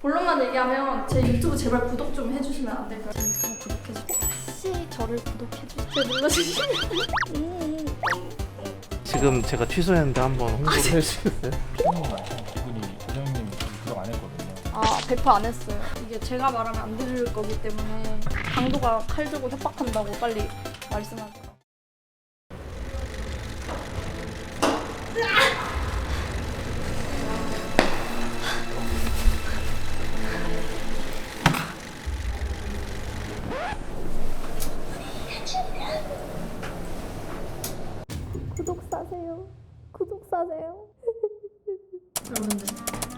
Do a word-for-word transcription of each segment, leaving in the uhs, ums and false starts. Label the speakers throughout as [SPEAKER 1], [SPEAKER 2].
[SPEAKER 1] 본론만 얘기하면 제 유튜브 제발 구독 좀 해주시면 안 될까요? 제 유튜브 구독해주세요. 혹시 저를 구독해주세요. 눌러주시면 음.
[SPEAKER 2] 지금 제가 취소했는데 한번 홍보를 해주시겠어요?
[SPEAKER 3] 이분이 고정님 구독 안 했거든요.
[SPEAKER 1] 아, 백 퍼센트 안 했어요. 이게 제가 말하면 안 들을 거기 때문에 강도가 칼 들고 협박한다고 빨리 말씀하세요. 구독 사세요. 구독 사세요. 여러분들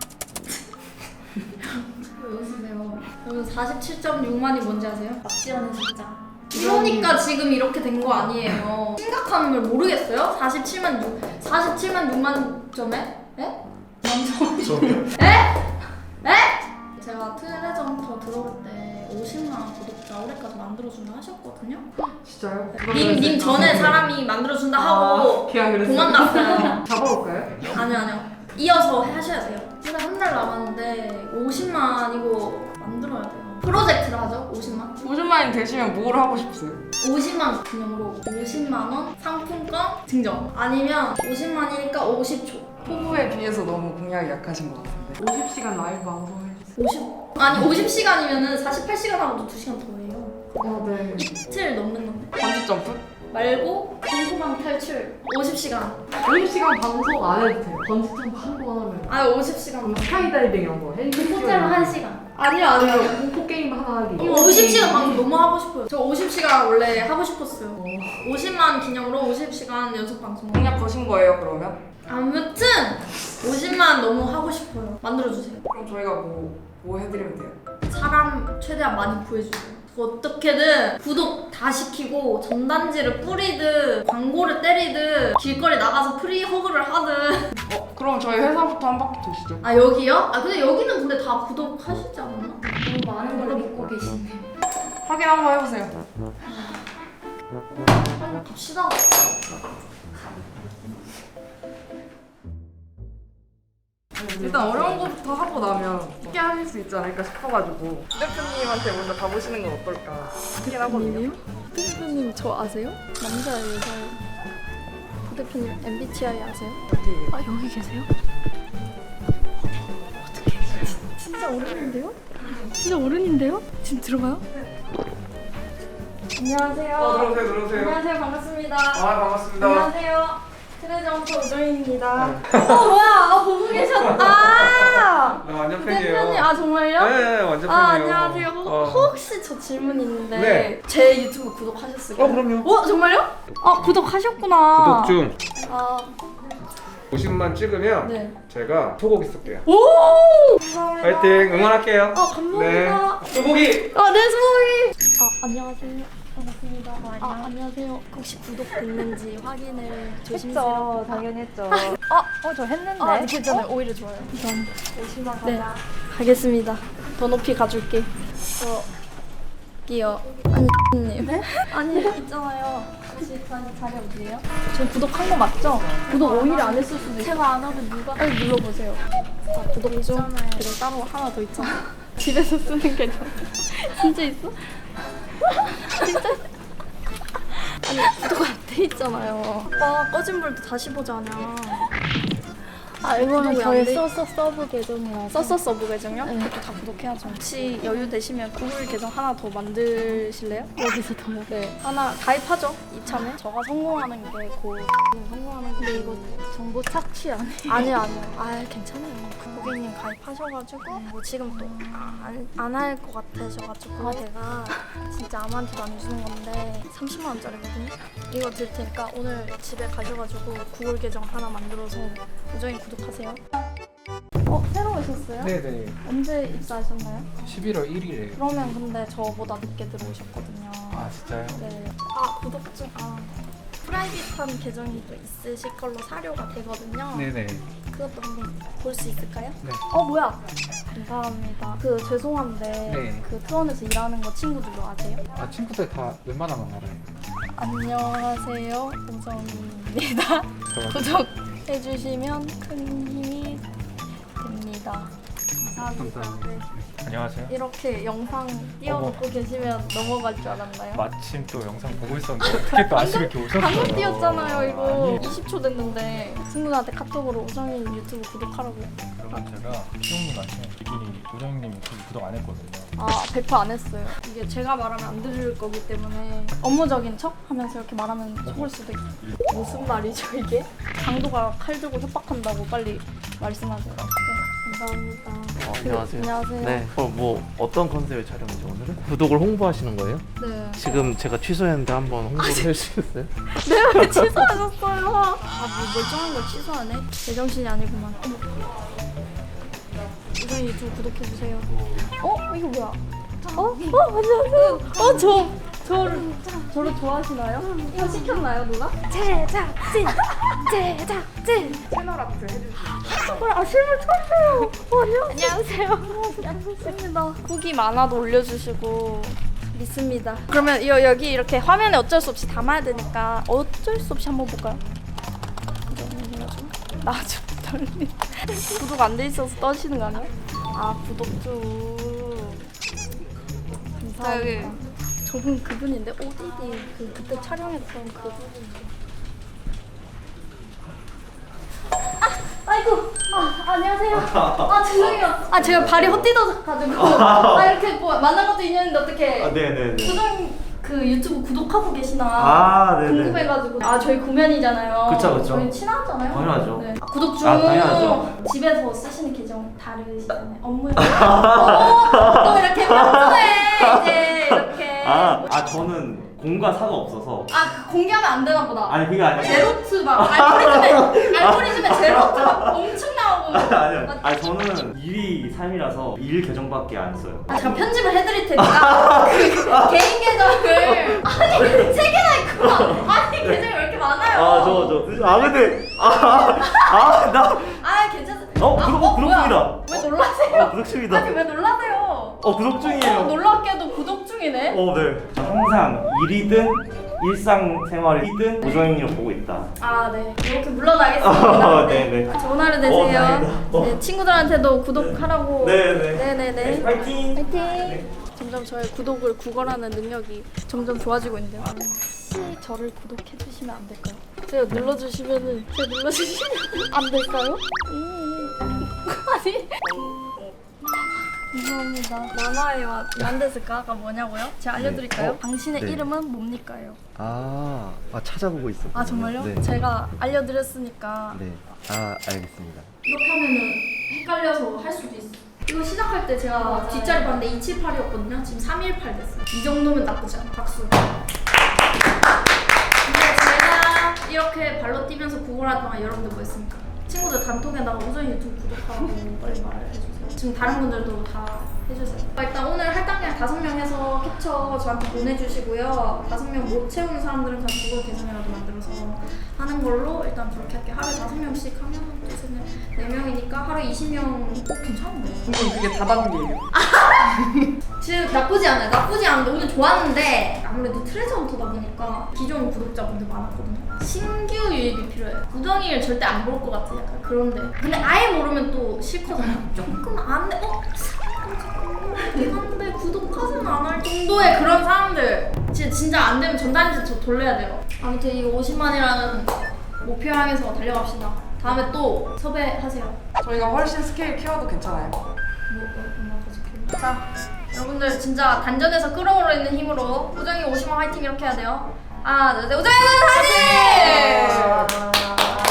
[SPEAKER 1] 왜 웃으세요? 여러분 사십칠 점 육만이 뭔지 아세요? 납치하는 숫자. 이러니까 지금 이렇게 된 거 아니에요. 심각한 걸 모르겠어요? 사십칠만 육, 사십칠만 육만 점에? 에?
[SPEAKER 3] 저요?
[SPEAKER 1] 에? 에? 제가 트레저헌터 들어올 때 오십만 구독자 올해까지 만들어준다 하셨거든요?
[SPEAKER 4] 진짜요?
[SPEAKER 1] 님, 님 전에 사람이 만들어준다 하고
[SPEAKER 4] 아, 그냥 그랬어요.
[SPEAKER 1] 도망갔어요.
[SPEAKER 4] 잡아볼까요?
[SPEAKER 1] 아니요 아니요 이어서 하셔야 돼요. 일단 한 달 남았는데 오십만 이거 만들어야 돼요. 프로젝트를 하죠. 오십만
[SPEAKER 4] 오십만이 되시면 뭘 하고 싶으세요?
[SPEAKER 1] 오십만 기념으로 오십만 원 상품권 증정 아니면 오십만이니까 오십 초
[SPEAKER 4] 포부에 비해서 너무 공약이 약하신 것 같은데 오십 시간 라이브 방송 해주세요.
[SPEAKER 1] 오십 아니 오십 시간이면은 사십팔 시간 하고도 두 시간 더 해요.
[SPEAKER 4] 아, 네.
[SPEAKER 1] 이틀 넘는 건데
[SPEAKER 4] 번지 점프?
[SPEAKER 1] 말고 공포방 탈출 오십 시간
[SPEAKER 4] 오십 시간 방송 안 해도 돼요. 번지 점프 한 번 하면.
[SPEAKER 1] 아 오십 시간
[SPEAKER 4] 그럼 스카이다이빙 이런 거. 헬리콥터
[SPEAKER 1] 호텔 한 시간 아니요 아니요
[SPEAKER 4] 공포 게임 하나 하기.
[SPEAKER 1] 오십 시간 방송 너무 하고 싶어요. 저 오십 시간 원래 하고 싶었어요. 오십만 기념으로 오십 시간 연속 방송.
[SPEAKER 4] 공약 거신 거예요 그러면?
[SPEAKER 1] 아무튼 오십만 너무 하고 싶어요. 만들어주세요.
[SPEAKER 4] 그럼 저희가 뭐, 뭐 해드리면 돼요?
[SPEAKER 1] 사람 최대한 많이 구해주세요. 어떻게든 구독 다 시키고 전단지를 뿌리듯 광고를 때리듯 길거리 나가서 프리 허그를 하든.
[SPEAKER 4] 어 그럼 저희 회사부터 한 바퀴 도시죠.
[SPEAKER 1] 아 여기요? 아 근데 여기는 근데 다 구독하시지 않았나? 너무 많은 걸 믿고 계시네.
[SPEAKER 4] 확인 한번 해보세요.
[SPEAKER 1] 빨리 갑시다.
[SPEAKER 4] 일단 어려운 것부터 하고 나면 쉽게 하실 수 있지 않을까 싶어가지고 대표님한테 먼저 가보시는 건 어떨까 싶긴 하거든요.
[SPEAKER 1] 대표님 저 아세요? 남자예요, 여자예요? 대표님 엠비티아이 아세요?
[SPEAKER 4] 어떻게
[SPEAKER 1] 아 여기 계세요? 어떻게 진짜 어른인데요? 진짜 어른인데요? 지금 들어가요? 안녕하세요.
[SPEAKER 3] 어, 들어오세요, 들어오세요.
[SPEAKER 1] 안녕하세요, 반갑습니다.
[SPEAKER 3] 아, 반갑습니다.
[SPEAKER 1] 안녕하세요. 트레저헌터 우정입니다. 어 뭐야? 아 보고 계셨다. 아,
[SPEAKER 3] 나 완전 팬이에요.
[SPEAKER 1] 대표님 아 정말요?
[SPEAKER 3] 네, 완전 팬이에요.
[SPEAKER 1] 아 안녕하세요.
[SPEAKER 3] 어.
[SPEAKER 1] 혹시 저 질문 있는데
[SPEAKER 3] 네.
[SPEAKER 1] 제 유튜브 구독하셨을까요?
[SPEAKER 3] 어, 그럼요.
[SPEAKER 1] 어 정말요? 아 구독하셨구나.
[SPEAKER 3] 구독 중
[SPEAKER 1] 아
[SPEAKER 3] 오십만 찍으면
[SPEAKER 1] 네.
[SPEAKER 3] 제가 소고기 쏠게요.
[SPEAKER 1] 오! 감사합니다.
[SPEAKER 3] 파이팅! 응원할게요.
[SPEAKER 1] 아 감사합니다.
[SPEAKER 3] 소고기!
[SPEAKER 1] 아 네 소고기. 아 안녕하세요. 반갑습니다. 아 안녕하세요. 혹시 구독 됐는지 확인을 조심스럽게.
[SPEAKER 5] 했죠. 당연히 했죠.
[SPEAKER 1] 아,
[SPEAKER 5] 어, 저 했는데.
[SPEAKER 1] 아 괜찮아요. 오히려 좋아요. 우선
[SPEAKER 5] 오십만 가자.
[SPEAKER 1] 네 가겠습니다. 더 높이 가줄게. 저기요. 아니 님. 네? 아니 있잖아요. 혹시 자리 자리 어디예요? 저 구독한 거 맞죠? 구독 오히려 안 했을 수도 있어요. 제가 안 하고 누가? 빨리 눌러보세요. 자 구독 중. 그리고 따로 하나 더 있잖아. 집에서 쓰는 계정. 진짜 있어? 진짜? 아니 구독 안 돼 있잖아요. 오빠 꺼진 불도 다시 보자냐.
[SPEAKER 5] 아, 이거는
[SPEAKER 1] 구독이
[SPEAKER 5] 저희
[SPEAKER 1] 안 돼?
[SPEAKER 5] 서서 서브 계정이라서.
[SPEAKER 1] 썼어 서브 계정요?
[SPEAKER 5] 네.
[SPEAKER 1] 그것도 다 구독해야죠. 혹시 여유 되시면 구글 계정 하나 더 만드실래요?
[SPEAKER 5] 여기서 더요?
[SPEAKER 1] 네. 하나 가입하죠. 이참에. 저가 성공하는 게 곧 성공하는 게.
[SPEAKER 5] 근데 이거 정보 착취 아니에요?
[SPEAKER 1] 아니요 아니요. 아 괜찮아요. 그 고객님 가입하셔가지고 뭐 지금 또 안 할 것 같으셔가지고 제가 진짜 아무한테도 안 주는 건데 삼십만 원짜리거든요. 이거 드릴 테니까 오늘 집에 가셔가지고 구글 계정 하나 만들어서 우정이 구독하세요. 어 새로 오셨어요?
[SPEAKER 3] 네네.
[SPEAKER 1] 언제 입사하셨나요?
[SPEAKER 3] 십일월 일일에요.
[SPEAKER 1] 그러면 근데 저보다 늦게 들어오셨거든요.
[SPEAKER 3] 아, 진짜요?
[SPEAKER 1] 네. 아 구독 중 아. 프라이빗한 계정이 또 있으실 걸로 사료가 되거든요.
[SPEAKER 3] 네네.
[SPEAKER 1] 그것도 한번 볼 수 있을까요?
[SPEAKER 3] 네.
[SPEAKER 1] 어 뭐야? 감사합니다. 그 죄송한데
[SPEAKER 3] 네.
[SPEAKER 1] 그 트원에서 일하는 거 친구들도 아세요?
[SPEAKER 3] 아, 친구들 다 웬만하면 알아요.
[SPEAKER 1] 안녕하세요, 우정입니다. 구독해주시면 큰 힘이 됩니다. 감사합니다. 네.
[SPEAKER 3] 안녕하세요.
[SPEAKER 1] 이렇게 영상 띄워놓고 계시면 넘어갈 줄 알았나요?
[SPEAKER 3] 마침 또 영상 보고 있었는데 어떻게 또 아침에 이렇게 오셨어요?
[SPEAKER 1] 방금 띄웠잖아요 이거.
[SPEAKER 3] 아니,
[SPEAKER 1] 이십 초 됐는데 친구들한테 카톡으로 우정이 유튜브 구독하라고.
[SPEAKER 3] 그러면 제가 희용님한테 이분이 우정님 유튜브 구독 안 했거든요.
[SPEAKER 1] 아 배포 안 했어요. 이게 제가 말하면 안 들을 거기 때문에 업무적인 척 하면서 이렇게 말하면 속을 수도 있어요. 무슨 말이죠 이게? 강도가 칼 들고 협박한다고 빨리 말씀하세요. 네, 감사합니다.
[SPEAKER 2] 어, 안녕하세요.
[SPEAKER 1] 안녕하세요.
[SPEAKER 2] 네. 어, 뭐 어떤 컨셉의 촬영이죠 오늘은? 구독을 홍보하시는 거예요?
[SPEAKER 1] 네.
[SPEAKER 2] 지금 제가 취소했는데 한번 홍보를 해주시겠어요?
[SPEAKER 1] 내가 왜 취소하셨어요? 아, 뭐 멀쩡한 걸 취소하네? 제정신이 아니구만. 어머. 우정이 유튜브 구독해주세요. 어? 이거 뭐야? 어? 어? 안녕하세요. 어? 저, 저를, 저를 좋아하시나요? 이거 시켰나요, 누가? 제작진! 제작진!
[SPEAKER 4] 채널 아트 해주시죠.
[SPEAKER 1] 아, 실물 처음이에요. 어, 안녕하세요. 안녕하세요. 좋습니다. 후기 많아도 올려주시고 믿습니다. 그러면 여, 여기 이렇게 화면에 어쩔 수 없이 담아야 되니까 어쩔 수 없이 한번 볼까요? 나좀 떨리. 구독 안 돼 있어서 떠시는 거 아니야? 아 구독 좀. 감사합니다. 저분 그분인데 오디디 그 그때 촬영했던 그분. 아이고, 아, 안녕하세요. 아, 죄송해요. 아, 제가 발이 헛디뎌가지고. 아, 이렇게 뭐 만난 것도 인연인데 어떻게.
[SPEAKER 2] 아, 네네네.
[SPEAKER 1] 구독, 그 유튜브 구독하고 계시나.
[SPEAKER 2] 아, 네네.
[SPEAKER 1] 궁금해가지고. 아, 저희 구면이잖아요.
[SPEAKER 2] 그쵸, 그쵸.
[SPEAKER 1] 저희 친하잖아요.
[SPEAKER 2] 당연하죠.
[SPEAKER 1] 네. 아, 구독 중.
[SPEAKER 2] 아, 당연하죠.
[SPEAKER 1] 집에서 쓰시는 계정 다르시잖아요. 업무에. 어, 또 이렇게 평소에 이제 이렇게.
[SPEAKER 6] 아, 아 저는 공과 사가 없어서.
[SPEAKER 1] 아, 그 공개하면 안 되나 보다.
[SPEAKER 6] 아니 그게 아니라.
[SPEAKER 1] 제로트 막 알고리즘에 알고리즘에 제로트 막 엄청 나오고.
[SPEAKER 6] 아니요. 아 저는 일이 삶이라서 일 계정밖에 안 써요.
[SPEAKER 1] 아, 제가 편집을 해드릴 테니까 그 개인 계정을 아니 세 개나 있구나. 아니 계정이 왜 이렇게 많아요?
[SPEAKER 6] 아 저 저. 아 근데 아아나
[SPEAKER 1] 아 괜찮습니다.
[SPEAKER 6] 어,
[SPEAKER 1] 아,
[SPEAKER 6] 구독-
[SPEAKER 1] 어,
[SPEAKER 6] 구독
[SPEAKER 1] 뭐야?
[SPEAKER 6] 중이다.
[SPEAKER 1] 왜 놀라세요?
[SPEAKER 6] 어, 구독 중이다.
[SPEAKER 1] 아니 왜 놀라세요?
[SPEAKER 6] 어 구독
[SPEAKER 1] 어,
[SPEAKER 6] 중이에요.
[SPEAKER 1] 놀랍게도 구독 중이네.
[SPEAKER 6] 어 네. 저 항상 일이든 일상생활이든 우정이를 보고 있다.
[SPEAKER 1] 아 네. 이렇게 물러나겠습니다.
[SPEAKER 6] 어, 네네.
[SPEAKER 1] 좋은 하루
[SPEAKER 6] 어,
[SPEAKER 1] 되세요.
[SPEAKER 6] 다행이다. 어.
[SPEAKER 1] 네, 친구들한테도 구독하라고.
[SPEAKER 6] 네네.
[SPEAKER 1] 네네네.
[SPEAKER 6] 파이팅.
[SPEAKER 1] 파이팅. 점점 저의 구독을 구걸하는 능력이 점점 좋아지고 있는데요. 혹시 저를 구독해 주시면 안 될까요? 제가 눌러주시면은 제가 눌러주시면 안 될까요? 음. 아니. 감사합니다. 만화에와 난데스카가 뭐냐고요? 제가 알려드릴까요?
[SPEAKER 7] 네. 어?
[SPEAKER 1] 당신의
[SPEAKER 7] 네.
[SPEAKER 1] 이름은 뭡니까요?
[SPEAKER 7] 아, 아 찾아보고 있었군요.
[SPEAKER 1] 아 정말요?
[SPEAKER 7] 네.
[SPEAKER 1] 제가 알려드렸으니까
[SPEAKER 7] 네. 아, 알겠습니다.
[SPEAKER 1] 이렇게 하면은 헷갈려서 할 수도 있어. 이거 시작할 때 제가 뒷자리 봤는데 이칠팔이었거든요. 지금 삼일팔 됐어요. 이 정도면 나쁘지 않아. 박수. 근데 제가 이렇게 발로 뛰면서 구걸할 동안 여러분들 뭐 했습니까? 친구들 단톡에다가 우정이 유튜브 구독하라고 빨리 말을 해주세요. 지금 다른 분들도 다 해주세요. 일단 오늘 할당량 다섯 명 해서 캡처 저한테 보내주시고요. 다섯 명 못 채우는 사람들은 그냥 구글 계정이라도 만들어서 하는 걸로 일단 그렇게 할게요. 하루에 다섯 명씩 하면 두세네 네 명이니까 하루에 이십 명. 어 괜찮은데?
[SPEAKER 4] 이건 그게 다단계예요.
[SPEAKER 1] 지금 나쁘지 않아요. 나쁘지 않은데 오늘 좋았는데 아무래도 트레저 헌터다 보니까 기존 구독자분들 많았거든요. 신규 유입이 필요해요. 구정이를 절대 안 볼 것 같아. 약간 그런데 근데 아예 모르면 또 싫거든요. 조금 안 돼. 어? 한데 구독하진 않을 정도의 그런 사람들 진짜, 진짜 안 되면 전단지 저 돌려야 돼요. 아무튼 이거 오십만이라는 목표 향해서 달려갑시다. 다음에 또 섭외하세요.
[SPEAKER 4] 저희가 훨씬 스케일 키워도 괜찮아요.
[SPEAKER 1] 뭐, 뭐, 뭐, 자, 여러분들 진짜 단전에서 끌어오르는 힘으로 우정이 오십만 화이팅 이렇게 해야 돼요. 하나, 둘, 셋, 우정이 화이팅!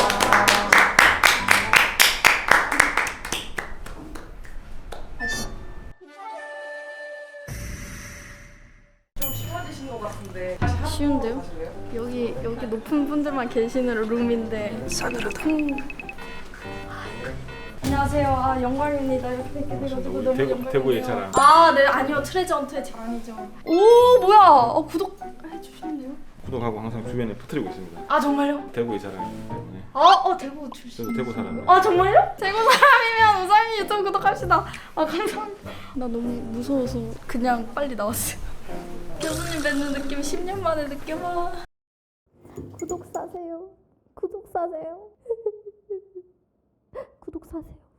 [SPEAKER 4] 좀 쉬워지신 것 같은데 다시 한번
[SPEAKER 1] 쉬운데요?
[SPEAKER 4] 하실래요?
[SPEAKER 1] 여기 여기 높은 분들만 계시는 룸인데 여기 높은. 안녕하세요. 아 영광입니다. 이렇게 뵙게 돼가지고 너무
[SPEAKER 3] 대구-
[SPEAKER 1] 영광이에요.
[SPEAKER 3] 대구의 자랑.
[SPEAKER 1] 아, 네 아니요 트레저 헌트의 자랑이죠. 오 뭐야? 어 구독 해주셨네요.
[SPEAKER 3] 구독하고 항상 주변에 퍼뜨리고 있습니다.
[SPEAKER 1] 아 정말요?
[SPEAKER 3] 대구의 자랑이기 때문에.
[SPEAKER 1] 아, 어 대구 출신.
[SPEAKER 3] 저도 대구 사람이에요.
[SPEAKER 1] 아 정말요? 대구 사람이면 우상이 유튜브 구독합시다. 아 감사합니다. 나 너무 무서워서 그냥 빨리 나왔어요. 교수님 뵙는 느낌 십 년 만에 느껴봐. 구독 사세요. 구독 사세요. 구독 사세요.